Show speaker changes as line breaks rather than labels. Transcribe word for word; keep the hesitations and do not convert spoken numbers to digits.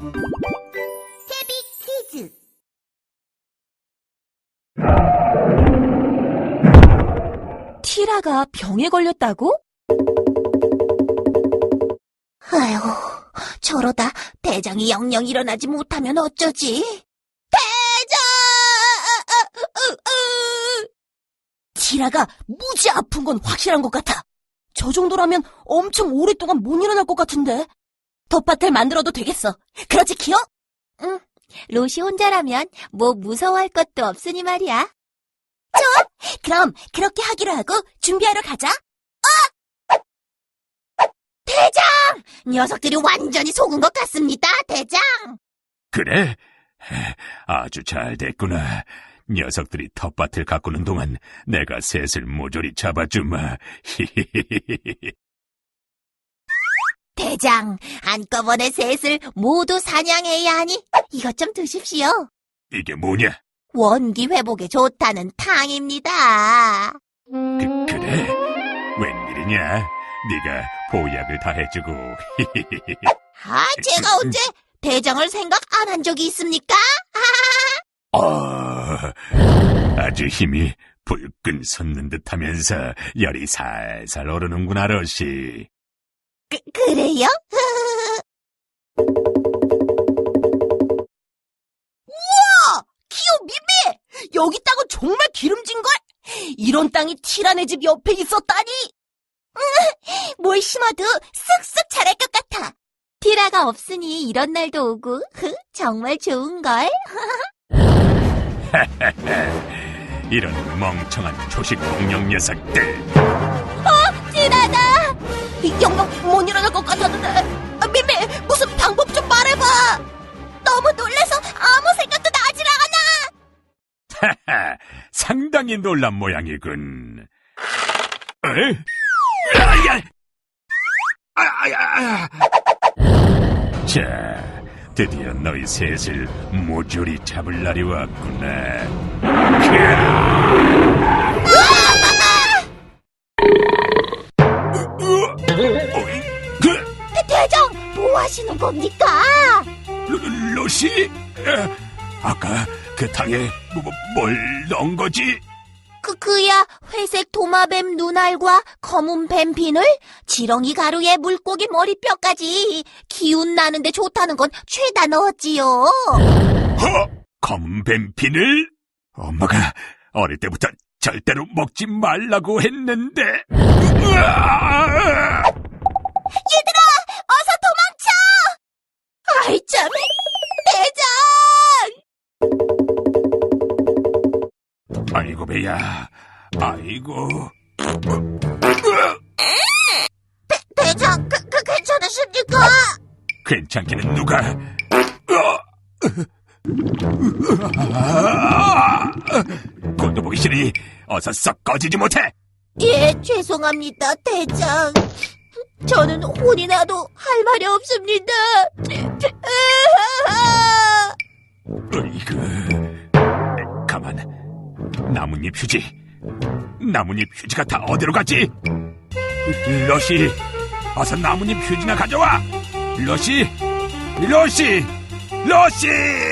태비 퀴즈.
티라가 병에 걸렸다고?
아휴, 저러다 대장이 영영 일어나지 못하면 어쩌지? 대장!
티라가 무지 아픈 건 확실한 것 같아. 저 정도라면 엄청 오랫동안 못 일어날 것 같은데. 텃밭을 만들어도 되겠어. 그렇지, 키어?
응, 로시 혼자라면 뭐 무서워할 것도 없으니 말이야. 좋아! 그럼 그렇게 하기로 하고 준비하러 가자. 어! 대장! 녀석들이 완전히 속은 것 같습니다, 대장!
그래? 아주 잘 됐구나. 녀석들이 텃밭을 가꾸는 동안 내가 셋을 모조리 잡아주마.
대장, 한꺼번에 셋을 모두 사냥해야 하니 이것 좀 드십시오.
이게 뭐냐?
원기 회복에 좋다는 탕입니다.
그, 그래? 웬일이냐? 네가 보약을 다 해주고.
아, 제가 언제 대장을 생각 안 한 적이 있습니까?
어, 아주 힘이 불끈 솟는 듯하면서 열이 살살 오르는구나, 러시.
그, 그래요?
우와! 키오, 미미! 여기 땅은 정말 기름진걸? 이런 땅이 티라네 집 옆에 있었다니!
뭘 심어도 쑥쑥 자랄 것 같아. 티라가 없으니 이런 날도 오고 정말 좋은걸?
이런 멍청한 초식 공룡 녀석들.
티라다!
영영 못 일어날 것 같았는데. 아, 미미, 무슨 방법 좀 말해봐!
너무 놀라서 아무 생각도 나질 않아.
하하, 상당히 놀란 모양이군. 에? 아야! 아야! 자, 드디어 너희 셋을 모조리 잡을 날이 왔구나.
대, 대장, 뭐 하시는 겁니까?
로, 로시? 아까 그 탕에 뭐, 뭐, 뭘 넣은 거지?
그, 그야 회색 도마뱀 눈알과 검은 뱀핀을 지렁이 가루에 물고기 머리뼈까지 기운 나는데 좋다는 건 죄다 넣었지요.
허! 검은 뱀핀을? 엄마가 어릴 때부터 절대로 먹지 말라고 했는데. 으아!
얘들아, 어서 도망쳐! 아이 참, 대장!
아이고 배야, 아이고.
대, 대장, 그, 그 괜찮으십니까?
괜찮기는 누가? 꼴도 보기 싫으니 어서 썩 꺼지지 못해.
예, 죄송합니다, 대장. 저는 혼이 나도 할 말이 없습니다.
으이그, 가만. 나뭇잎 휴지. 나뭇잎 휴지가 다 어디로 갔지? 러시, 어서 나뭇잎 휴지나 가져와. 러시, 러시, 러시.